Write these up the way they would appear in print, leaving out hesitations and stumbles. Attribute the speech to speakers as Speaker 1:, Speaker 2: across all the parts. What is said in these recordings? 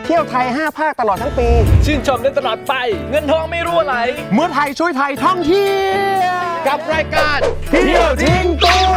Speaker 1: เที่ยวไทย5 ภาคตลอดทั้งปี
Speaker 2: ชื่นชมได้ตลอดไปเงินทองไม่รั่วไหล
Speaker 1: เมื่อไทยช่วยไทยท่องเที่ยวกับรายการเที่ยวทิ้งตัว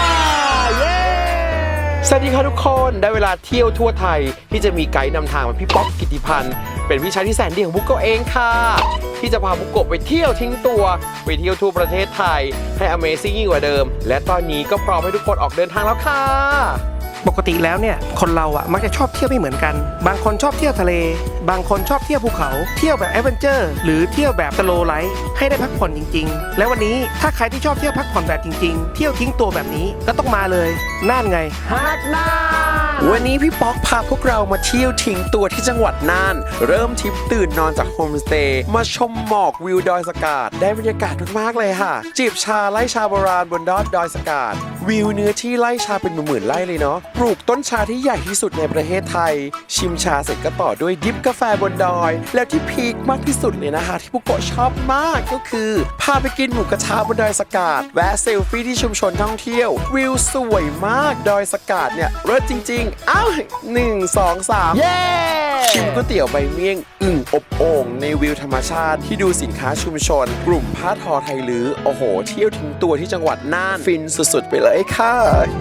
Speaker 1: สวัสดีครับทุกคนได้เวลาเที่ยวทั่วไทยที่จะมีไกด์นำทางเป็นพี่ป๊อกกิติพันธ์เป็นพี่ชายที่แสนดีของบุกโกเองค่ะที่จะพาบุกโกไปเที่ยวทิ้งตัวไปเที่ยวทั่วประเทศไทยให้ Amazing ยิ่งกว่าเดิมและตอนนี้ก็พร้อมให้ทุกคนออกเดินทางแล้วค่ะปกติแล้วเนี่ยคนเราอ่ะมักจะชอบเที่ยวไม่เหมือนกันบางคนชอบเที่ยวทะเลบางคนชอบเที่ยวภูเขาเที่ยวแบบแอดเวนเจอร์หรือเที่ยวแบบสโลว์ไลฟ์ให้ได้พักผ่อนจริงๆแล้ววันนี้ถ้าใครที่ชอบเที่ยวพักผ่อนแบบจริงๆเที่ยวทิ้งตัวแบบนี้ก็ต้องมาเลยน่านไงฮักน่านวันนี้พี่ป๊อกพาพวกเรามาเที่ยวทิ้งตัวที่จังหวัดน่านเริ่มทริปตื่นนอนจากโฮมสเตย์มาชมหมอกวิวดอยสะกาดได้บรรยากาศมากๆเลยค่ะจิบชาไร่ชาโบราณบนดอยสะกาดวิวเนื้อที่ไร่ชาเป็นหมื่นๆไร่เลยเนาะปลูกต้นชาที่ใหญ่ที่สุดในประเทศไทยชิมชาเสร็จก็ต่อด้วยดิฟกาแฟบนดอยแล้วที่พีคมากที่สุดเลยนะคะที่พวกโกชอบมากก็คือพาไปกินหมูกระทะบนดอยสะกาดแวะเซลฟี่ที่ชุมชนท่องเที่ยววิวสวยมากดอยสะกาดเนี่ยเลิศจริงๆอ้าว1 2 3เย้ชิมก๋วยเตี๋ยวใบเมี่ยงอึ่งอบโอ่งในวิวธรรมชาติที่ดูสินค้าชุมชนกลุ่มผ้าทอไทยลื้อโอ้โหเที่ยวทิ้งตัวที่จังหวัดน่านฟินสุดๆไปเลยค่ะ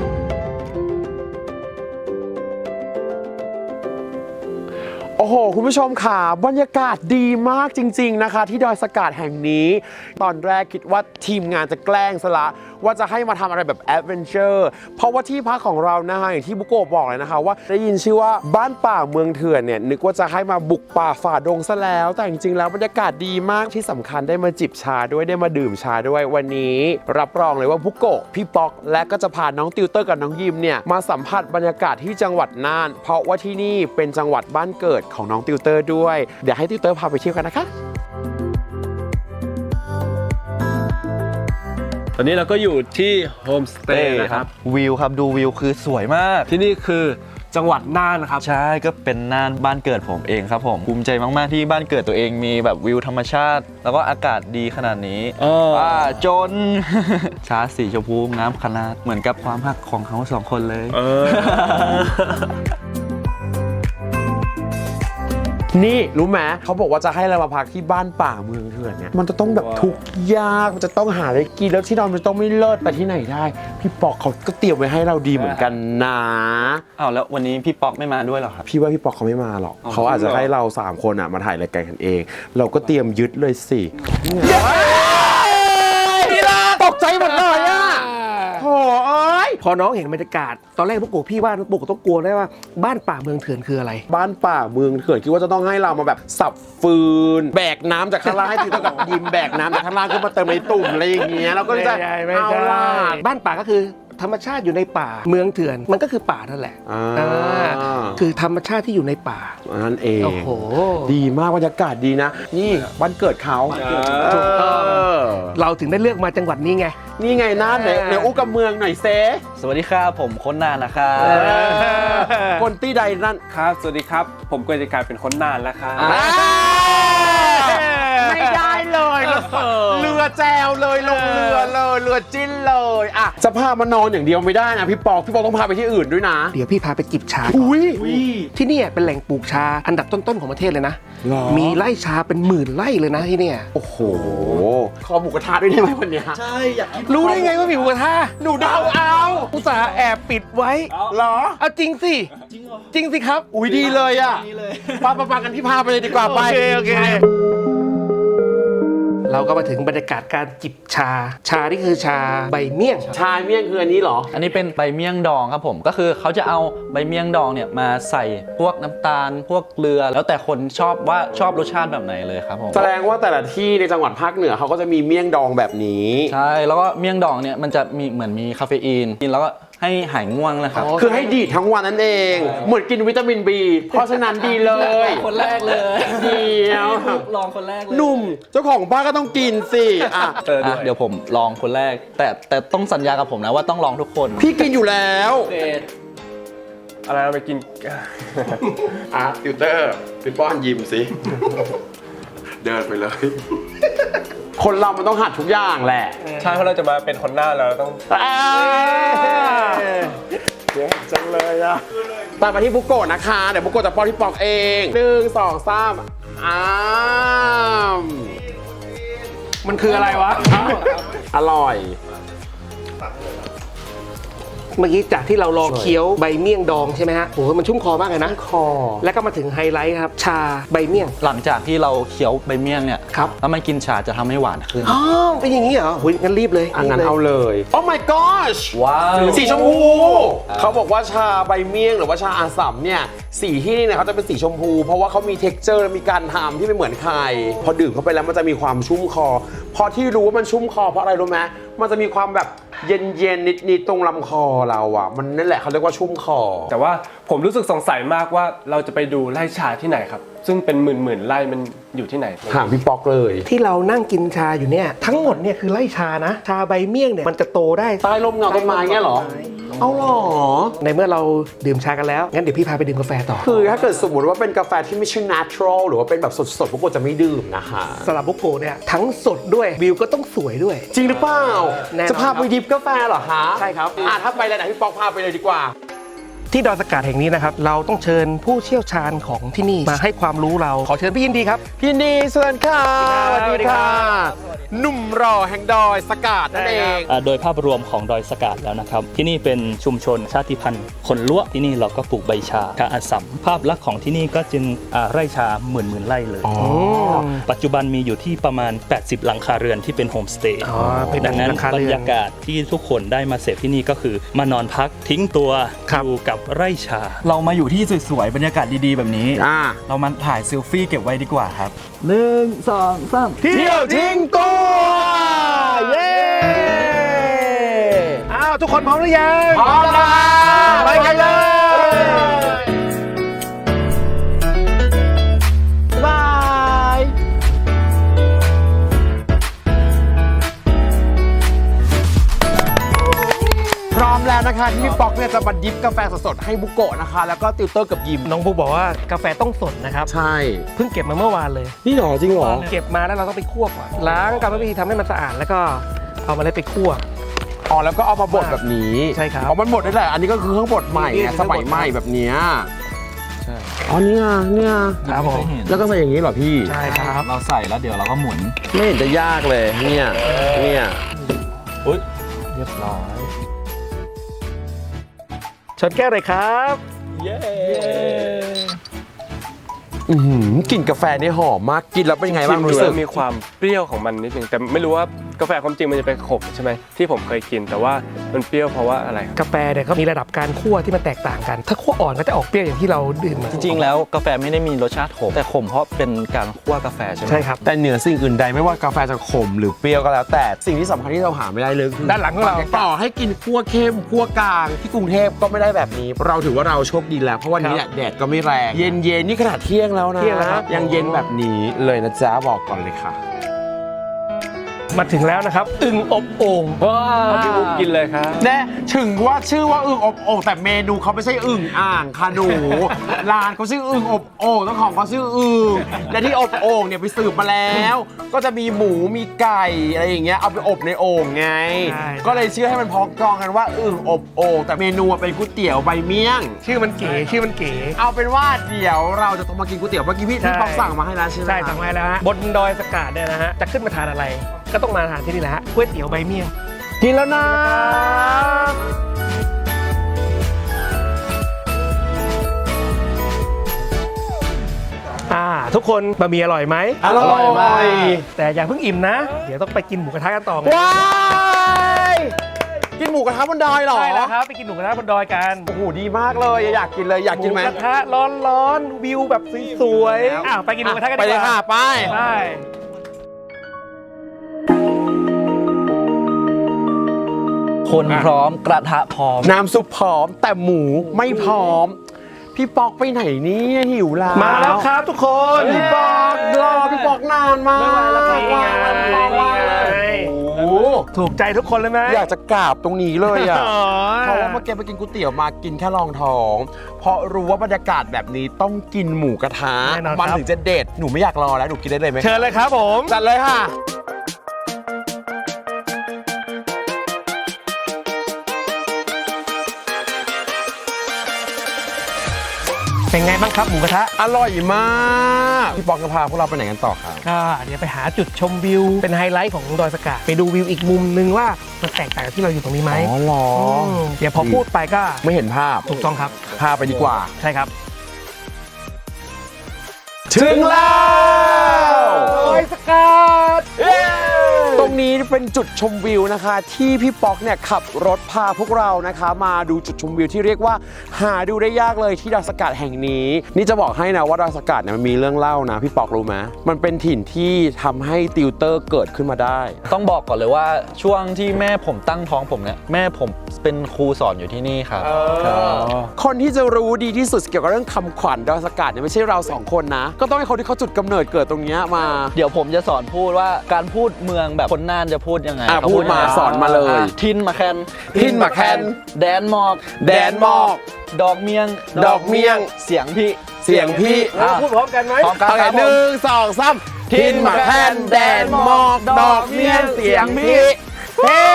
Speaker 1: โอ้โหคุณผู้ชมค่ะบรรยากาศดีมากจริงๆนะคะที่ดอยสะกาดแห่งนี้ตอนแรกคิดว่าทีมงานจะแกล้งซะละว่าจะให้มาทำอะไรแบบแอดเวนเจอร์เพราะว่าที่พักของเรานะคะอย่างที่บุโกะบอกเลยนะคะว่าได้ยินชื่อว่าบ้านป่าเมืองเถื่อนเนี่ยนึกว่าจะให้มาบุกป่าฝ่าดงซะแล้วแต่จริงๆแล้วบรรยากาศดีมากที่สำคัญได้มาจิบชาด้วยได้มาดื่มชาด้วยวันนี้รับรองเลยว่าบุโกะพี่ป๊อกและก็จะพาน้องติวเตอร์กับน้องยิมเนี่ยมาสัมผัสบรรยากาศที่จังหวัดน่านเพราะว่าที่นี่เป็นจังหวัดบ้านเกิดของน้องติวเตอร์ด้วยเดี๋ยวให้ติวเตอร์พาไปเที่ยวกันนะคะ
Speaker 2: ตอนนี้เราก็อยู่ที่โฮมสเตย์นะครับ
Speaker 3: วิวครับดูวิวคือสวยมาก
Speaker 2: ที่นี่คือจังหวัดน่านนะครับ
Speaker 3: ใช่ก็เป็นน่านบ้านเกิดผมเองครับผมภูมิใจมากๆที่บ้านเกิดตัวเองมีแบบวิวธรรมชาติแล้วก็อากาศดีขนาดนี้จน ชาสีชมพูน้ำขนาดเหมือนกับความรักของเขา2 คนเลย
Speaker 1: นี่รู้ไหมเขาบอกว่าจะให้เรามาพักที่บ้านป่าเมืองเถื่อนเนี่ยมันจะต้องแบบทุกข์ยากมันจะต้องหาอะไรกินแล้วที่นอนมันต้องไม่เลิศแต่ที่ไหนได้พี่ป๊อกเขาก็เตรียมไว้ให้เราดีเหมือนกันนะ
Speaker 3: อ้าวแล้ววันนี้พี่ป๊อกไม่มาด้วยหรอครับ
Speaker 1: พี่ว่าพี่ป๊อกเขาไม่มาหรอกเขาอาจจะให้เรา3 คนมาถ่ายรายการกันเองเราก็เตรียมยึดเลยสิตกใจหมดเลยอ่ะโอ้ยพอน้องเห็นบรรยากาศตอนแรกพวกกูพี่ว่าพวกกูต้องกลัวได้ว่าบ้านป่าเมืองเถื่อนคืออะไรบ้านป่าเมืองเถื่อนคิดว่าจะต้องให้เรามาแบบสับฟืนแบกน้ำจากข้างล่างให้ติวเตอร์กับยิมแบกน้ำจากข้างล่างขึ้นมาเติมในตุ่มอะไรอย่างเงี้ยเราก็จะเอาล่ะบ้านป่าก็คือธรรมชาติอยู่ในป่าเมืองเถื่อนมันก็คือป่านั่นแหละคือธรรมชาติที่อยู่ในป่านั่นเองโอ้โหดีมากบรรยากาศดีนะนี่บ้านเกิดเขาถูกต้องเราถึงได้เลือกมาจังหวัดนี้ไงนี่ไงน่านไหนอู้กับเมืองหน่อยเซ
Speaker 3: สวัสดีครับผมคนน่านนะครับ
Speaker 1: คนที่ใดนั่น
Speaker 2: ครับสวัสดีครับผมก็จะกลายเป็นคนน่านแล้วครับ
Speaker 1: ไม่ได้เลยเรือแจวเลยลงเรือเลยเรือจิ้นเลยอ่ะจะพามานอนอย่างเดียวไม่ได้นะพี่ปอกต้องพาไปที่อื่นด้วยนะเดี๋ยวพี่พาไปจิบชาที่นี่เป็นแหล่งปลูกชาอันดับต้นๆของประเทศเลยนะมีไร่ชาเป็น10,000 ไร่เลยนะที่นี่โอ้โหขอหมูกระทะด้วยได้ไหมวันนี้
Speaker 3: ใช่อยาก
Speaker 1: รู้ได้ไงว่ามีหมูกระทะหนูเดาเอาอุตส่าห์แอบปิดไว้เหรอเอาจริงสิจริงสิครับอุ้ยดีเลยอ่ะปากันพี่พาไปเลยดีกว่าไปโอเคเราก็มาถึงบรรยากาศการจิบชานี่คือชาใบเมี่ยงชาเมี่ยงคืออันนี้เหรอ
Speaker 3: อันนี้เป็นใบเมี่ยงดองครับผมก็คือเขาจะเอาใบเมี่ยงดองเนี่ยมาใส่พวกน้ำตาลพวกเกลือแล้วแต่คนชอบว่าชอบรสชาติแบบไหนเลยครับผม
Speaker 1: แสดงว่าแต่ละที่ในจังหวัดภาคเหนือเขาก็จะมีเมี่ยงดองแบบนี้
Speaker 3: ใช่แล้วก็เมี่ยงดองเนี่ยมันจะมีเหมือนมีคาเฟอีนกินแล้วก็ให้หายง่วงนะครับ
Speaker 1: คือให้ดีทั้งวันนั่นเองเหมือนกินวิตามิน B เพราะฉะนั้นดีเลย
Speaker 3: คนแรกเลย
Speaker 1: เดี๋ยว
Speaker 3: ลองคนแรกเลย
Speaker 1: หนุ่มเจ้าของบ้านก็ต้องกินสิ
Speaker 3: เดี๋ยวผมลองคนแรกแต่ต้องสัญญากับผมนะว่าต้องลองทุกคน
Speaker 1: พี่กินอยู่แล้ว
Speaker 2: อะไรเราไปกิน
Speaker 1: ติวเตอร์ไปป้อนยิมสิเดินไปเลยคนเรามันต้องหัดทุกอย่างแหละ
Speaker 2: ใช่เพราะเราจะมาเป็นคนหน้าเราต้อง
Speaker 1: เยอะจังเลยอ่ะตามมาที่บุโกะนะคะเดี๋ยวบุโกะจะป้อนที่ปอกเอง1 2 3อ้าม
Speaker 2: มันคืออะไรวะ
Speaker 1: อร่อย
Speaker 4: เมื่อกี้จากที่เราลองเคี้ยวใบเมี่ยงดองใช่ไหมฮะโหมันชุ่มคอมากเลยนะ
Speaker 1: คอ
Speaker 4: แล้วก็มาถึงไฮไลท์ครับ ชาใบเมี่ยง
Speaker 3: หลังจากที่เราเคี้ยวใบเมี่ยงเนี่ย
Speaker 4: ครับ
Speaker 3: แล้วมันกินชาจะทำให้หวานขึ้น
Speaker 4: อ๋อเป็นอย่างนี้เหรอโหงั้นรีบเลย
Speaker 1: งั้นเอาเลย โอ้ my gosh
Speaker 3: ว้าว
Speaker 1: สีชมพู เขาบอกว่าชาใบเมี่ยงหรือว่าชาอาสัมเนี่ยสีที่นี่เนี่ยเขาจะเป็นสีชมพู เพราะว่าเขามี texture และมีการทำที่ไม่เหมือนใคร พอดื่มเข้าไปแล้วมันจะมีความชุ่มคอ พอที่รู้ว่ามันชุ่มคอเพราะอะไรรู้ไหมมันจะมีความแบบเย็นๆนิดๆตรงลำคอเราอ่ะมันนั่นแหละเขาเรียกว่าชุ่มคอ
Speaker 2: แต่ว่าผมรู้สึกสงสัยมากว่าเราจะไปดูไร่ชาที่ไหนครับ ซึ่งเป็นหมื่นไร่มันอยู่ที่ไหน
Speaker 1: ถามพี่ป๊อกเลย
Speaker 4: ที่เรานั่งกินชาอยู่เนี่ยทั้งหมดเนี่ยคือไล่ชานะ ชาใบเมี่ยงเนี่ยมันจะโตได้
Speaker 1: ใต้ร่มเงาต้นไม้เงี้ยเหรอ เอาเหรอ
Speaker 4: ในเมื่อเราดื่มชากันแล้วงั้นเดี๋ยวพี่พาไปดื่มกาแฟต่อ
Speaker 1: คือถ้าเกิดสมมติว่าเป็นกาแฟที่ไม่ใช่ natural หรือว่าเป็นแบบสดๆพวกกูจะไม่ดื่มนะคะ
Speaker 4: สำหรับบุโกะเนี่ยทั้งสดด้วยวิวก็ต้องสวยด้วย
Speaker 1: จริงหรือเปล่า
Speaker 4: แน่นอน
Speaker 1: จะพาไปดิฟกาแฟเหรอคะ
Speaker 4: ใช่ครับ
Speaker 1: ถ้าไปแล้วไหนพี่ป๊อกพาไปเลยดีกว่า
Speaker 4: ที่ดอยสะกาดแห่งนี้นะครับเราต้องเชิญผู้เชี่ยวชาญของที่นี่มาให้ความรู้เราขอเชิญพี่ยินดีครับ
Speaker 1: พี่นีสวัสดีค่ะ
Speaker 4: สวัสดีครับ
Speaker 1: หนุ่มรอแห่งดอยสกาดนั่นเอง
Speaker 5: โดยภาพรวมของดอยสะกาดแล้วนะครับ ที่นี่เป็นชุมชนชาติพันธุ์คนล้วที่นี่เราก็ปลูกใบชาอาสัมภาพลักษณ์ของที่นี่ก็จึงไร่ชาหมื่นไร่เลย ปัจจุบันมีอยู่ที่ประมาณ 80 หลังคาเรือนที่เป็นโฮมสเตย์
Speaker 4: อ๋อเป็น
Speaker 5: ดังนั้น
Speaker 4: หลังคา
Speaker 5: บร
Speaker 4: เรือน
Speaker 5: รยากาศที่ทุกคนได้มาเสพที่นี่ก็คือมานอนพักทิ้งตัว
Speaker 4: ครับ
Speaker 5: อยู่กับไร่ชา
Speaker 3: เรามาอยู่ที่สวยๆบรรยากาศดีๆแบบนี้ เรามาถ่ายเซลฟี่เก็บไว้ดีกว่าครับ1 2 3
Speaker 1: เที่ยวทิ้งตัว เย้
Speaker 4: อ้าวทุกคนพร้อมหรือยัง
Speaker 1: พร้อมแล้ว
Speaker 4: ไปกันเลย
Speaker 1: บายพร้อมแล้วนะคะที่พี่ป๊อกเนี่ยจะมาดิฟกาแฟสดๆให้บุโกะนะคะ แล้วก็ติวเตอร์กับยิม
Speaker 4: น้องบุ๊กบอกว่ากาแฟต้องสดนะครับ
Speaker 1: ใช่
Speaker 4: เพิ่งเก็บมาเมื่อวานเลย
Speaker 1: นี่หรอจริงหรอ
Speaker 4: เก็บมาแล้วเราต้องไปคั่วก่อนล้างกรรมวิธีทำให้มันสะอาดแล้วก็เอามาเลยไปคั่ว
Speaker 1: อ๋อแล้วก็เอามาบดแบบนี้
Speaker 4: ใช่ครับ
Speaker 1: อ๋อมันบดได้แหละอันนี้ก็คือเครื่องบดใหม่
Speaker 4: นี่
Speaker 1: ไง
Speaker 4: คือ
Speaker 1: สมัยใหม่แบบเนี้ย
Speaker 3: ใช่
Speaker 1: อ๋อเนี่ย
Speaker 4: ครับผม
Speaker 1: แล้วก็ใส่อย่างนี้เหรอพี่
Speaker 4: ใช่ครับ
Speaker 3: เราใส่แล้วเดี๋ยวเราก็หมุน
Speaker 1: ไม่เห็นจะยากเลยเนี่ย
Speaker 3: อุ๊ยเรียบร้อย
Speaker 4: ชนแก้วเลยครับ
Speaker 1: กลิ่นกาแฟนี่หอมมากกินแล้วเป็นไงบ้าง
Speaker 2: ชิมดู
Speaker 1: รู้สึ
Speaker 2: แล้
Speaker 1: ก
Speaker 2: วมีความเปรี้ยวของมันนิดนึงแต่ไม่รู้ว่ากาแฟความจริงมันจะเป็นขมใช่ไหมที่ผมเคยกินแต่ว่ามันเปรี้ยวเพราะว่าอะไร
Speaker 4: กาแฟเนี่ยเขามีระดับการคั่วที่มันแตกต่างกัน ถ้าคั่วอ่อนก็จะออกเปรี้ยวอย่างที่เราดื่มมา
Speaker 3: จริงๆแล้วกาแฟไม่ได้มีรสชาติขมแต่ขมเพราะเป็นการคั่วกาแฟใช่ไหม
Speaker 4: ใช่ครับ
Speaker 1: แต่เหนือสิ่งอื่นใดไม่ว่ากาแฟจะขมหรือเปรี้ยวก็แล้ว แต่สิ่งที่สำคัญที่เราหาไม่ได้เลยคือ
Speaker 4: ด้านหลังของเรา
Speaker 1: ต่อให้กินคั่วเข้มคั่วกลางที่กรุงเทพก็ไม่ได้แบบนี้ เราถือว่าเราโชคดีแล้วเพราะวันนี้เนี่ยแดดก็ไม่แรงเย็นๆนี่ขนาดเที่ยงแล้วนะ
Speaker 4: เที่ยงแล้วครับ
Speaker 1: ยังเย็นแบบนี้เลยนะจ๊ะบอกก่อนเลยค่ะ
Speaker 4: มาถึงแล้วนะครับอึ่งอบโอ่ง
Speaker 2: เอาพี่บุ๊กกินเลยครับ
Speaker 1: แน่ถึงว่าชื่อว่าอึ่งอบโอ่งแต่เมนูเขาไม่ใช่อึ่งอ่างค่ะหนู ร้านเขาชื่ออึ่งอบโอ่งเจ้าของเขาชื่ออึ่งและที่อบโอ่งเนี่ยไปสืบมาแล้ว ก็จะมีหมูมีไก่อะไรอย่างเงี้ยเอาไปอบในโอ่งไง ก็เลยชื่อให้มันพ้องกองกันว่าอึ่งอบโอ่งแต่เมนูเป็นก๋วยเตี๋ยวใบเมี่ยง
Speaker 4: ชื่อมันเก๋ชื่อมันเก๋
Speaker 1: เอาเป็นว่าเดี๋ยวเราจะต้องมากินก๋วยเตี๋ยวเมื่อกี้พี่
Speaker 4: ใช่
Speaker 1: ป๊อกสั่งมาให้แล้วใช่ไหม
Speaker 4: ใช่สั่งไว้แล้วฮะบนดอยสะกาดเนี่ยนะฮะจะขึ้นมาทานอะไร ก็ต้องมาทานที่นี่แหละฮะก๋วยเตี๋ยวใบเมี่ยง
Speaker 1: กินแล้วนะ
Speaker 4: ทุกคนบะหมี่อร่อยไหม
Speaker 1: อร่อยมาก
Speaker 4: แต่อย่าเพิ่งอิ่มนะ เดี๋ยวต้องไปกินหมูกระทะกันต่อไง
Speaker 1: ว้ายกินหมูกระทะบนดอยเหรอ
Speaker 4: ใช่แล้วครับไปกินหมูกระทะบนดอยกัน
Speaker 1: โอ้โหดีมากเลยอยากกินเลยอยากกินไหม
Speaker 4: หมูกระทะร้อนๆวิวแบบสวยๆอ้าวไปกินหมูกระทะกัน
Speaker 1: ไป
Speaker 4: ดีกว่า
Speaker 1: เลยค่ะไป
Speaker 4: ไป
Speaker 3: คนพร้อมกระทะพร้อม
Speaker 1: น้ำซุปพร้อมแต่หมูไม่พร้อม พี่ปอกไปไหนเนี่ยหิวแล้ว
Speaker 4: มาแล้วครับทุกคน
Speaker 1: พี่ปอกรอพี่ปอกนานมาก
Speaker 4: ไม่ไหวแล้วครับนี่ไง
Speaker 1: โอ้โห
Speaker 4: ถูกใจทุกคนเลยไหม
Speaker 1: อยากจะกราบตรงนี้เลยอ่ะ
Speaker 4: อ๋อ
Speaker 1: เพราะว่าเมื่อกี้ไปกินก๋วยเตี๋ยวมากินแค่รองท้อง เพราะรู้ว่าบรรยากาศแบบนี้ต้องกินหมูกระทะ
Speaker 4: แน่นอน
Speaker 1: มัน
Speaker 4: ครับ
Speaker 1: ถึงจะเด็ดหนูไม่อยากรอแล้วหนูกินได้เลยไหม
Speaker 4: เชิญเลยครับผม
Speaker 1: จัดเลยค่ะ
Speaker 4: เป็นไงบ้างครับหมูกระทะ
Speaker 1: อร่อยมากพี่ป๊อกจะพาพวกเราไปไหนกันต่อครับ
Speaker 4: ก็เดี๋ยวไปหาจุดชมวิวเป็นไฮไลท์ของดอยสะกาดไปดูวิวอีกมุมนึงว่ามันแตกต่างจากที่เราอยู่ตรงนี้ไหม
Speaker 1: อ๋อเหรอ
Speaker 4: เดี๋ยวพอพูดไปก็
Speaker 1: ไม่เห็นภาพ
Speaker 4: ถูกต้องครับ
Speaker 1: พาไปดีกว่า
Speaker 4: ใช่ครับ
Speaker 1: ถึงแล้ว
Speaker 4: ดอยสะกาด
Speaker 1: ตรงนี้เป็นจุดชมวิวนะคะ ที่พี่ป๊อกเนี่ยขับรถพาพวกเรานะคะ มาดูจุดชมวิวที่เรียกว่าหาดูได้ยากเลยที่ดอยสะกาดแห่งนี้ นี่จะบอกให้นะว่าดอยสะกาดเนี่ยมันมีเรื่องเล่านะพี่ป๊อกรู้ไหมมันเป็นถิ่นที่ทำให้ติวเตอร์เกิดขึ้นมาได้
Speaker 3: ต้องบอกก่อนเลยว่าช่วงที่แม่ผมตั้งท้องผมเนี่ยแม่ผมเป็นครูสอนอยู่ที่นี่ครับครับ
Speaker 1: คนที่จะรู้ดีที่สุดเกี่ยวกับเรื่องคำขวัญดอยสะกาดเนี่ยไม่ใช่เราสองคนนะ ก็ต้องให้คนที่เขาจุดกำเนิดเกิดตรงเนี้ยมา
Speaker 3: เดี๋ยวผมจะสอนพูดว่าการพูดเมืองแบบคนน่านจะพูดยังไง
Speaker 1: อ่ะ
Speaker 3: เข
Speaker 1: พูดมา
Speaker 3: ยังไง
Speaker 1: สอนมาเลย
Speaker 3: ทินมาแคน
Speaker 1: ทินมาแคน
Speaker 3: แดนหมอก
Speaker 1: แดนหมอก
Speaker 3: ดอกเมียง
Speaker 1: ดอกเมี่ยง
Speaker 3: เสียงพี่
Speaker 1: เสียงพี่
Speaker 4: พูดพร้อมกันไหม
Speaker 3: พร้อมกัน
Speaker 1: โอเค
Speaker 3: ครับ
Speaker 1: หนึ่งสองสามทินหมาแคนแดนหมอกดอกเมี่ยงเสียงพี่เฮ้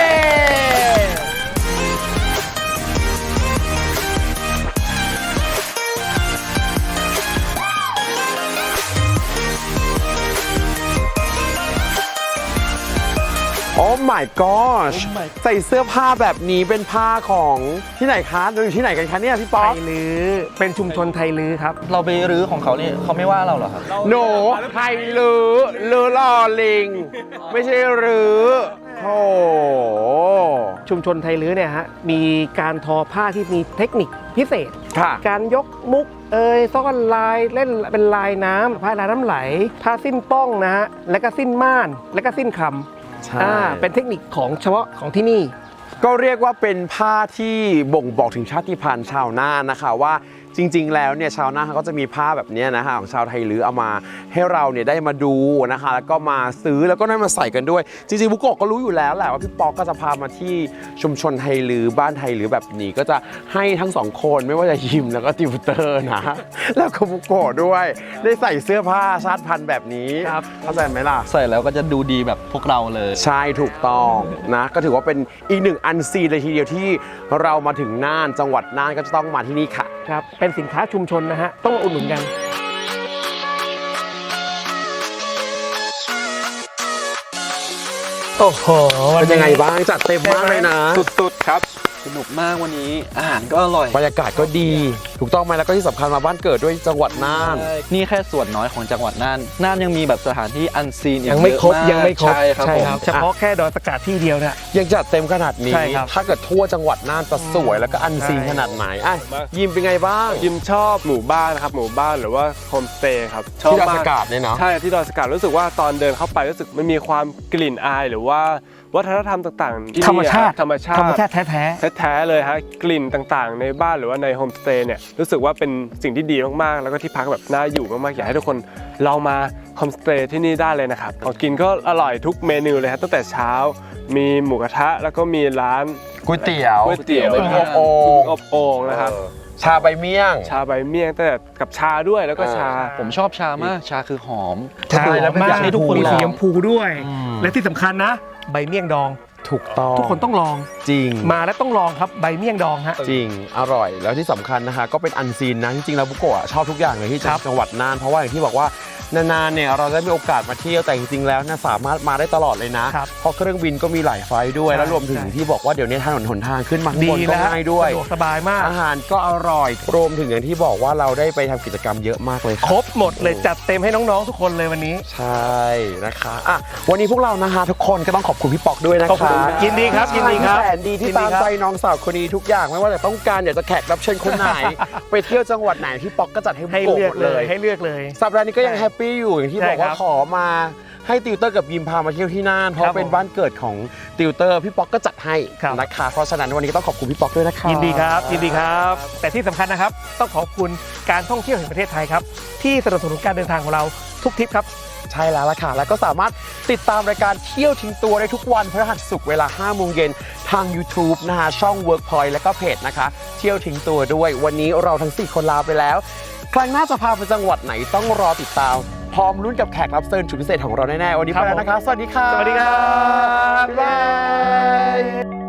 Speaker 1: โอ้ my gosh ใส่เสื้อผ้าแบบนี้เป็นผ้าของที่ไหนคะเราอยู่ที่ไหนกันคะเนี่ยพี่ป๊
Speaker 4: ไท
Speaker 1: อก
Speaker 4: ยลือเป็นชุมชนไทยลือครับ
Speaker 3: เราไปรื้อของเขานี่เขาไม่ว่าเราเหรอครับ
Speaker 1: หนูไทยลือลอลิง ไม่ใช่รื้อโอ้
Speaker 4: ชุมชนไทยลือเนี่ยฮะมีการทอผ้าที่มีเทคนิคพิเศษ
Speaker 1: ค่ะ
Speaker 4: การยกมุกซ่อนลายเล่นเป็นลายน้ำผ้าลายน้ำไหล ผ้าสิ้นป้องนะฮะแล้วก็สิ้นม่านแล้วก็สิ้นคำ
Speaker 1: ใช่
Speaker 4: เป็นเทคนิคของเฉพาะของที่นี่
Speaker 1: ก็เรียกว่าเป็นผ้าที่บ่งบอกถึงชาติพันธุ์ชาวน่านนะคะว่าจริงๆแล้วเนี่ยชาวน่านเขาก็จะมีผ้าแบบนี้นะคะของชาวไทยลื้อเอามาให้เราเนี่ยได้มาดูนะคะแล้วก็มาซื้อแล้วก็ได้มาใส่กันด้วย จริงๆบุโกะก็รู้อยู่แล้วแหละว่าพี่ป๊อกก็จะพามาที่ชุมชนไทยลื้อบ้านไทยลื้อแบบนี้ก็จะให้ทั้งสองคนไม่ว่าจะยิมแล้วก็ติวเตอร์นะ แล้วก็บุโกะด้วยได้ใส่เสื้อผ้าชาติพันธุ์แบบนี้
Speaker 4: ครับ
Speaker 1: เข้าใจไหมล่ะ
Speaker 3: ใส่แล้วก็จะดูดีแบบพวกเราเลย
Speaker 1: ใช่ถูกต้องนะก็ถือว่าเป็นอีกหนึ่งอันซีนเลยทีเดียวที่เรามาถึงน่านจังหวัดน่านก็จะต้องมาที่นี่ค่ะ
Speaker 4: ครับเป็นสินค้าชุมชนนะฮะต้องมาอุดหนุนกัน โอ้โห
Speaker 1: เป็นยังไงบ้างจัดเต็มมากเลยนะ
Speaker 2: สุดๆครับ
Speaker 3: สนุกมากวันนี้อาหารก็อร่อย
Speaker 1: บรรยากาศก็ดี ถูกต้องไหมแล้วก็ที่สำคัญมาบ้านเกิดด้วยจังหวัดน่าน
Speaker 3: นี่แค่ส่วนน้อยของจังหวัดน่านน่านยังมีแบบสถานที่อันซีนอีก
Speaker 4: ยังไม่ครบ
Speaker 3: เอะาก
Speaker 4: ยังไม่ครบ
Speaker 3: ใช่ครับผม
Speaker 4: เฉพาะแค่ดอยสะกาดที่เดียวเนี่ย
Speaker 1: ยังจัดเต็มขนาดนี้
Speaker 4: ใช่ครับ
Speaker 1: ถ้าเกิดทั่วจังหวัดน่านจะสวยแล้วก็อันซีน
Speaker 4: ใช่
Speaker 1: ขนาดไหนอ่ะยิมเป็นไงบ้าง
Speaker 2: ยิมชอบหมู่บ้านนะครับหมู่บ้านหรือว่าโฮมสเตย์ครับชอบ
Speaker 1: ที่ดอย
Speaker 2: มา
Speaker 1: สะ
Speaker 2: ก
Speaker 1: กาดเนี่ยเนาะ
Speaker 2: ใช่ที่ดอยสะกาดรู้สึกว่าตอนเดินเข้าไปรู้สึกมันมีความกลิ่นอายหรือว่าวัฒนธรรมต่างๆที่
Speaker 4: ธรรมชาติ
Speaker 2: ธรรมชาติ
Speaker 4: แท้
Speaker 2: แท้ๆเลยฮะกลิ่นต่างๆ ในบ้านหรือว่าในโฮมสเตย์เนี่ยรู้สึกว่าเป็นสิ่งที่ดีมากๆ แล้วก็ที่พักแบบน่าอยู่มากๆอยากให้ทุกคนลองมาโฮมสเตย์ที่นี่ได้เลยนะครับของกินก็อร่อยทุกเมนูเลยครับตั้งแต่เช้ามีหมูกระทะแล้วก็มีร้าน
Speaker 1: ก๋วยเตี๋ยว
Speaker 2: ก๋วยเตี๋ยว
Speaker 1: อบโอ่ง
Speaker 2: อบโอ่งนะครับ
Speaker 1: ชาใบเมี่ยง
Speaker 2: ชาใบเมี่ยงแต่กับชาด้วยแล้วก็ชา
Speaker 3: ผมชอบชามากชาคือหอม
Speaker 4: ๆใช่แล้วอยากให้ทุกคนมีสีชมพูด้วย และที่สำคัญนะ ใบเมี่ยงดอง
Speaker 1: ถูกต้อง
Speaker 4: ทุกคนต้องลอง
Speaker 1: จริง
Speaker 4: มาแล้วต้องลองครับใบเมี่ยงดองฮะ
Speaker 1: จริง อร่อย แล้วที่สำคัญนะคะก็เป็นอันซีนนะ จริงๆแล้วบุโกะชอบทุกอย่างเลยที่
Speaker 4: ครับ
Speaker 1: จังหวัดน่าน เพราะว่าอย่างที่บอกว่านานๆเนี่ยเราได้มีโอกาสมาเที่ยวแต่จริงๆแล้วเนี่ยสามารถมาได้ตลอดเลยนะครับ เพราะเครื่องบินก็มีหลายไฟล์ด้วย
Speaker 4: ใช่
Speaker 1: แล้วรวมถึง
Speaker 4: ใช่
Speaker 1: ที่บอกว่าเดี๋ยวนี้ถนนหนทางขึ้นมาข้าง
Speaker 4: ดี
Speaker 1: บนก็
Speaker 4: แล้ว
Speaker 1: ง่ายด้วย
Speaker 4: สะดวกสบายมาก
Speaker 1: อาหารก็อร่อย รวมถึงอย่างที่บอกว่าเราได้ไปทำกิจกรรมเยอะมากเลย
Speaker 4: ครบหมดเลยจัดเต็มให้น้องๆทุกคนเลยวันนี้
Speaker 1: ใช่นะคะอ่ะวันนี้พวกเรานะคะทุกคนก็ต้องขอบคุณพี่ปอกด้วยนะ
Speaker 4: ขอบ
Speaker 1: คะ
Speaker 4: คุณยินดีครับยินดีครับ
Speaker 1: แสนดีที่ตามใจน้องสาวคนนี้ทุกอย่างไม่ว่าจะต้องการอยากจะแขกรับเชิญคนไหน ไปเที่ยวจังหวัดไหนพี่ป๊อกก็จัดให้บุ
Speaker 4: ให้
Speaker 1: โกะ
Speaker 4: เลื
Speaker 1: ห
Speaker 4: อก
Speaker 1: มด
Speaker 4: เล
Speaker 1: เลย ย
Speaker 4: ให้เลือกเลย
Speaker 1: สัปดาห์นี้ก็ยังแฮปปี้อยู่อย่างที่
Speaker 4: ใช่
Speaker 1: บอกว่า
Speaker 4: ครับ
Speaker 1: ขอมาให้ติวเตอร์กับยิมพามาเที่ยวที่น่านเพ
Speaker 4: ครั
Speaker 1: ราะ
Speaker 4: บ
Speaker 1: เป็นบ้านเกิดของติวเตอร์พี่ป๊อกก็จัดให้
Speaker 4: ครับ
Speaker 1: นะคะเพราะฉะนั้นวันนี้ก็ต้องขอบคุณพี่ป๊อกด้วยนะคะ
Speaker 4: ยินดีครับยินดีครับ แต่ที่สำคัญนะครับ ต้องขอบคุณการท่องเที่ยวแห่งประเทศไทยครับ ที่สนับสนุนการเดินทางของเราทุกทริปครับ
Speaker 1: ใช่แล้วล่ะค่ะแล้วก็สามารถติดตามรายการเที่ยวทิ้งตัวได้ทุกวันพฤหัสศุกร์เวลา 5 โมงเย็นทาง YouTube นะคะช่อง Workpoint แล้วก็เพจนะคะเที่ยวทิ้งตัวด้วยวันนี้เราทั้ง 4 คนลาไปแล้ว ครั้งหน้าจะพาไปจังหวัดไหนต้องรอติดตามพร้อมลุ้นกับแขกรับเชิญสุดพิเศษของเราแน่ๆวันนี้ไปแล้วนะคะ สวัสดีค่ะ
Speaker 4: สวัสดีครับ
Speaker 1: บ๊ายบาย